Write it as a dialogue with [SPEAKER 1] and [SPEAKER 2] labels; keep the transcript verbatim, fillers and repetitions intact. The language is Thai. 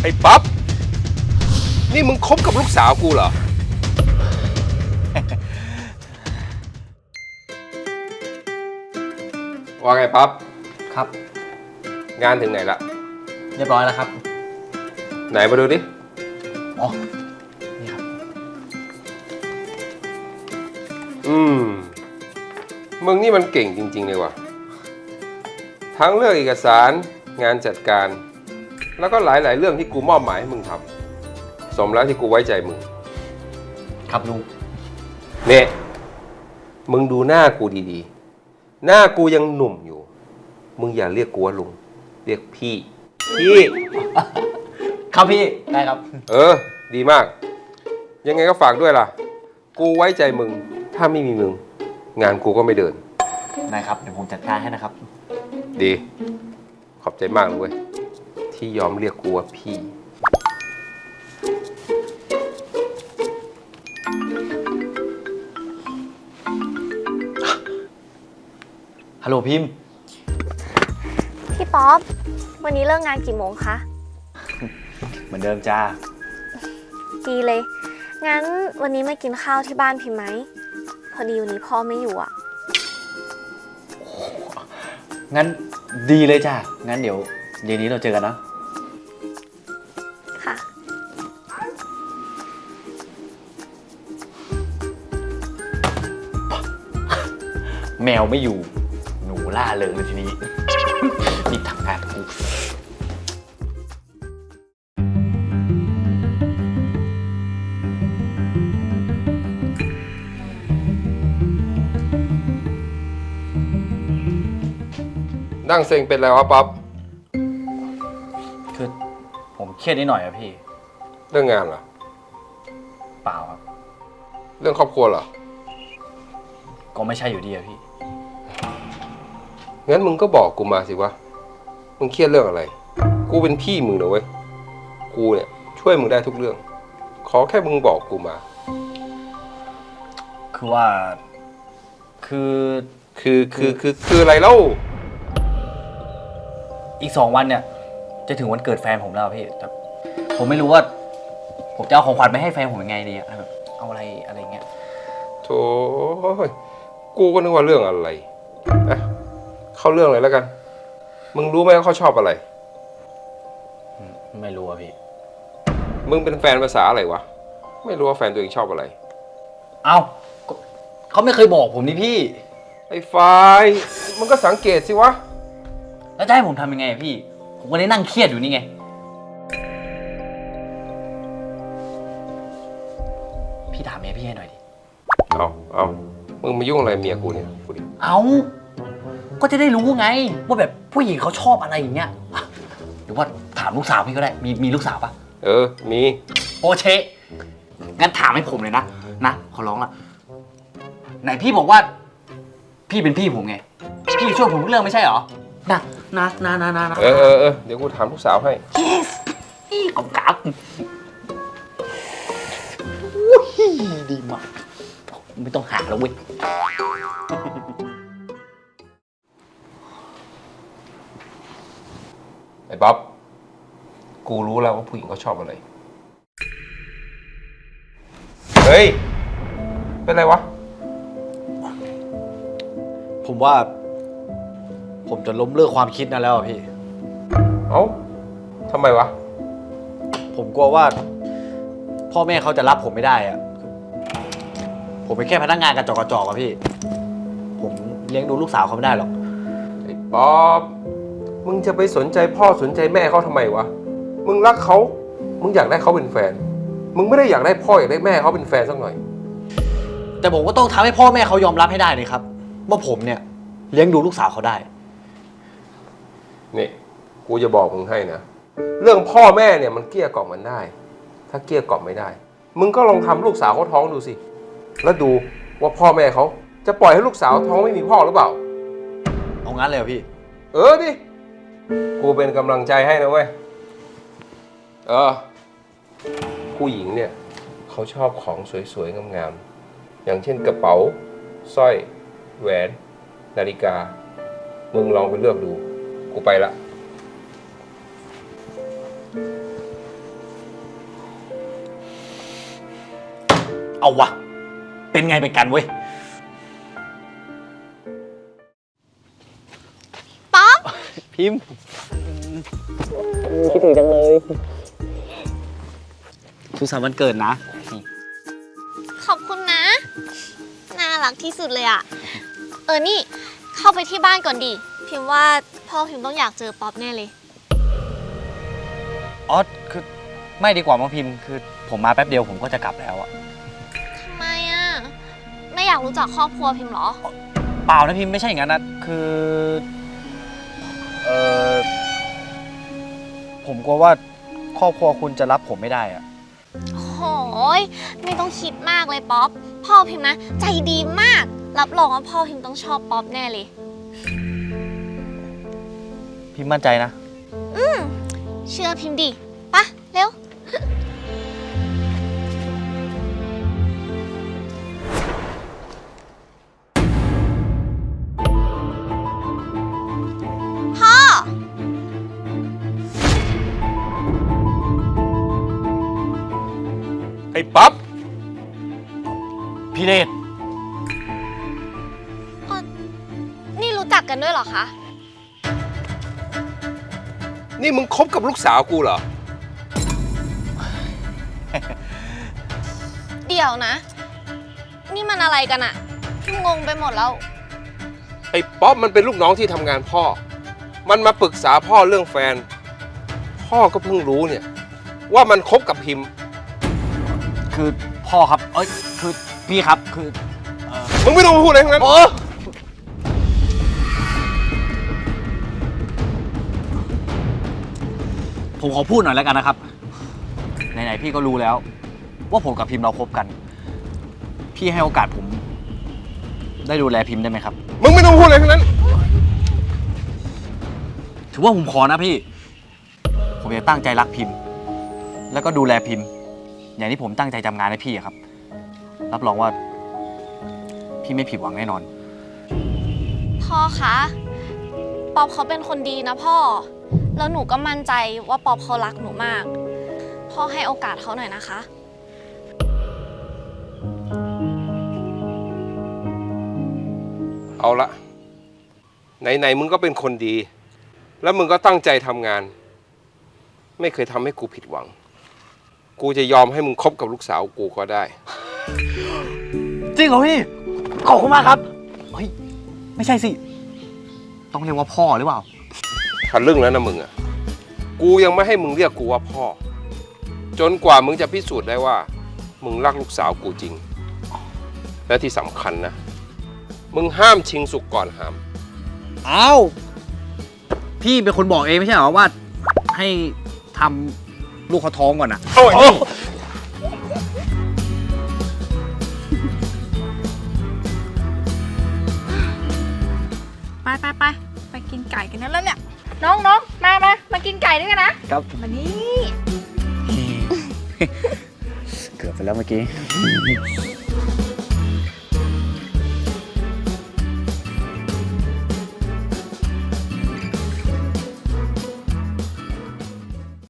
[SPEAKER 1] อ้ป๊อปนี่มึงคบกับลูกสาวกูเหรอ ว่าไงป๊อป
[SPEAKER 2] ครับ
[SPEAKER 1] งานถึงไหนละ
[SPEAKER 2] เรียบร้อยแล้วครับ
[SPEAKER 1] ไหนมาดูดิ
[SPEAKER 2] อ๋อนี่ครับ
[SPEAKER 1] อืมมึงนี่มันเก่งจริงๆเลยว่ะทั้งเรื่องเอกสารงานจัดการแล้วก็หลายๆเรื่องที่กูมอบหมายให้มึงทำสมแล้วที่กูไว้ใจมึง
[SPEAKER 2] ครับลุง
[SPEAKER 1] เนี่ยมึงดูหน้ากูดีๆหน้ากูยังหนุ่มอยู่มึงอย่าเรียกกูว่าลุงเรียกพี่พี่
[SPEAKER 2] ครับพี่ได้ครับ
[SPEAKER 1] เออดีมากยังไงก็ฝากด้วยล่ะกูไว้ใจมึงถ้าไม่มีมึงงานกูก็ไม่เดิน
[SPEAKER 2] ได้ครับเดี๋ยวผมจัดการให้นะครับ
[SPEAKER 1] ดีขอบใจมากเลยเว้ยที่ยอมเรียกกูว่าพี่
[SPEAKER 2] ฮัลโหลพิมพ์
[SPEAKER 3] พี่ป๊อปวันนี้เลิกงานกี่โมงคะ
[SPEAKER 2] เหมือนเดิมจ้า
[SPEAKER 3] ดีเลยงั้นวันนี้มากินข้าวที่บ้านพิมไหมพอดีวันนี้พ่อไม่อยู่อ่ะ
[SPEAKER 2] งั้นดีเลยจ้างั้นเดี๋ยวเย็นนี้เราเจอกันนะ
[SPEAKER 3] ค่ะ
[SPEAKER 2] แมวไม่อยู่หนูล่าเริงเลยทีนี้นี่ทำงานกู
[SPEAKER 1] นั่งเซ็งเป็นไรวะป๊อป
[SPEAKER 2] คือผมเครียดนิดหน่อยอะพี่
[SPEAKER 1] เรื่องงานเหรอ
[SPEAKER 2] เปล่าครับ
[SPEAKER 1] เรื่องครอบครัวเหรอ
[SPEAKER 2] ก็ไม่ใช่อยู่ดีอะพี่
[SPEAKER 1] งั้นมึงก็บอกกูมาสิวะมึงเครียดเรื่องอะไรกูเป็นพี่มึงนะเว้ยกูเนี่ยช่วยมึงได้ทุกเรื่องขอแค่มึงบอกกูมา
[SPEAKER 2] คือว่าคือ
[SPEAKER 1] คือคือคือคืออะไรเล่า
[SPEAKER 2] อีกสองวันเนี่ยจะถึงวันเกิดแฟนผมแล้วพี่แต่ผมไม่รู้ว่าผมจะเอาของขวัญไปให้แฟนผมยังไงดีอะแบบเอาอะไรอะไรเงี้ย
[SPEAKER 1] โธ่กูก็นึกว่าเรื่องอะไรอะเข้าเรื่องเลยแล้วกันมึงรู้ไหมว่าเขาชอบอะไร
[SPEAKER 2] ไม่รู้อะพี่
[SPEAKER 1] มึงเป็นแฟนภาษาอะไรวะไม่รู้ว่าแฟนตัวเองชอบอะไร
[SPEAKER 2] เอ้าเขาไม่เคยบอกผมนี่พี่
[SPEAKER 1] ไอ้ฝ่ายมึงก็สังเกตสิวะ
[SPEAKER 2] แล้วจะให้ผมทำยังไงพี่ผมก็ได้นั่งเครียดอยู่นี่ไงพี่ถามเมียพี่ให้หน่อยดิ
[SPEAKER 1] เอาเอามึงมายุ่งอะไรเมียกูเนี่ยกูดิ
[SPEAKER 2] เอาก็จะได้รู้ไงว่าแบบผู้หญิงเขาชอบอะไรอย่างเงี้ยหรือว่าถามลูกสาวพี่ก็ได้มีมีลูกสาวปะ
[SPEAKER 1] เออมี
[SPEAKER 2] โอเชงั้นถามให้ผมเลยนะนะขอร้องละไหนพี่บอกว่าพี่เป็นพี่ผมไงพี่ช่วยผมทุกเรื่องไม่ใช่เหรอนะนะนะนะนะ
[SPEAKER 1] เออเออเออเดี๋ยวกูถามลูกสาวให้
[SPEAKER 2] yes อีกองกับอุ้ยดีมากไม่ต้องหาแล้วเว้ย
[SPEAKER 1] ไอ้บ๊อบกูรู้แล้วว่าผู้หญิงเขาชอบอะไรเฮ้ยเป็นไรวะ
[SPEAKER 2] ผมว่าผมจะล้มเลิกความคิดนั้นแล้วพี่
[SPEAKER 1] เอ้าทำไมวะ
[SPEAKER 2] ผมกลัวว่าพ่อแม่เขาจะรับผมไม่ได้อะผมเป็นแค่พนักงานกระจอกกระจอกอะพี่ผมเลี้ยงดูลูกสาวเขาไม่ได้หรอก
[SPEAKER 1] ไอ้ป๊อบมึงจะไปสนใจพ่อสนใจแม่เขาทำไมวะมึงรักเขามึงอยากได้เขาเป็นแฟนมึงไม่ได้อยากได้พ่ออยากได้แม่เขาเป็นแฟนสักหน่อย
[SPEAKER 2] แต่ผมก็ต้องทำให้พ่อแม่เขายอมรับให้ได้เลยครับว่าผมเนี่ยเลี้ยงดูลูกสาวเขาได้
[SPEAKER 1] นี่กูจะบอกมึงให้นะเรื่องพ่อแม่เนี่ยมันเกลี้ยกล่อมมันได้ถ้าเกลี้ยกล่อมไม่ได้มึงก็ลองทำลูกสาวเขาท้องดูสิแล้วดูว่าพ่อแม่เขาจะปล่อยให้ลูกสาวท้องไม่มีพ่อหรือเปล่า
[SPEAKER 2] เอางั้นเลยเหรอพี่
[SPEAKER 1] เออดิกูเป็นกำลังใจให้นะเว้ยเออผู้หญิงเนี่ยเขาชอบของสวยๆงามๆอย่างเช่นกระเป๋าสร้อยแหวนนาฬิกามึงลองไปเลือกดูกูไปละ
[SPEAKER 2] เอาวะ เป็นไงเป็นกันเว้ย
[SPEAKER 3] ป๊อป
[SPEAKER 2] พิมพ์คิดถึงจังเลยสุขสันต์วันเกิดนะ
[SPEAKER 3] ขอบคุณนะ น่ารักที่สุดเลยอะเออ นี่เข้าไปที่บ้านก่อนดิ พิมพ์ว่าพ่อพิมพ์ต้องอยากเจอป๊อปแน่เลย
[SPEAKER 2] อ๋อ คือไม่ดีกว่ามั้งพิมพ์ คือผมมาแป๊บเดียวผมก็จะกลับแล้วอะ
[SPEAKER 3] ทำไมอะไม่อยากรู้จักครอบครัวพิมพ์เหรอ
[SPEAKER 2] เปล่านะพิมพ์ไม่ใช่อย่างนั้นนะ คือ เออผมกลัวว่าครอบครัวคุณจะรับผมไม่ได้อะ
[SPEAKER 3] โหยไม่ต้องคิดมากเลยป๊อป พ่อพิมพ์นะ ใจดีมาก รับรองว่าพ่อพิมพ์ต้องชอบป๊อปแน่เลย
[SPEAKER 2] พิมพ์มั่นใจนะ
[SPEAKER 3] อืมเชื่อพิมพ์ดิปะเร็ว พ่อ
[SPEAKER 1] ไอ้ป๊อป
[SPEAKER 2] พี่เดช
[SPEAKER 3] นี่รู้จักกันด้วยเหรอคะ
[SPEAKER 1] นี่มึงคบกับลูกสาวกูเหรอ
[SPEAKER 3] เดี๋ยวนะ นี่มันอะไรกันอะพิมงงไปหมดแล้ว
[SPEAKER 1] ไอ้ป๊อปมันเป็นลูกน้องที่ทำงานพ่อ มันมาปรึกษาพ่อเรื่องแฟน พ่อก็เพิ่งรู้เนี่ย ว่ามันคบกับพิมพ์
[SPEAKER 2] คือพ่อครับ เอ้ย คือพี่ครับ คือเอ่อ
[SPEAKER 1] มึงไม่ต้องมาพูดอะไรทั้งนั้น
[SPEAKER 2] โอ้ผมขอพูดหน่อยแล้วกันนะครับ ไหนๆพี่ก็รู้แล้ว ว่าผมกับพิมพ์เราคบกัน พี่ให้โอกาสผม ได้ดูแลพิมพ์ได้ไหมครับ
[SPEAKER 1] มึงไม่ต้องพูดอะไรทั้งนั้น
[SPEAKER 2] ถือว่าผมขอนะพี่ ผมจะตั้งใจรักพิมพ์ แล้วก็ดูแลพิมพ์ อย่างที่ผมตั้งใจทำงานให้พี่อะครับ รับรองว่า พี่ไม่ผิดหวังแน่นอน
[SPEAKER 3] พ่อคะ ป๊อปเขาเป็นคนดีนะพ่อ แล้วหนูก็มั่นใจว่าป๊อปเขารักหนูมาก พ่อให้โอกาสเขาหน่อยนะคะ
[SPEAKER 1] เอาละไหนๆมึงก็เป็นคนดี แล้วมึงก็ตั้งใจทำงาน ไม่เคยทำให้กูผิดหวัง กูจะยอมให้มึงคบกับลูกสาวกูก็ได้
[SPEAKER 2] จริงเหรอพี่ ขอบคุณมากครับ เฮ้ย ไม่ใช่สิ ต้องเรียกว่าพ่อหรือเปล่า
[SPEAKER 1] ทะลึ่งแล้วนะมึงอ่ะ กูยังไม่ให้มึงเรียกกูว่าพ่อ จนกว่ามึงจะพิสูจน์ได้ว่า มึงรักลูกสาวกูจริง และที่สำคัญนะ มึงห้ามชิงสุกก่อนหาม
[SPEAKER 2] อ้าว พี่เป็นคนบอกเองไม่ใช่เหรอว่า ให้ทำลูกเขาท้องก่อนอะ
[SPEAKER 1] โอ้ย
[SPEAKER 4] ไปไปไปไปกินไก่กันนั่นแล้วเนี่ย น้องน้องมามามากินไก่ด้วยกันนะครับ มานี่
[SPEAKER 2] เกือบไปแล้วเมื่อกี้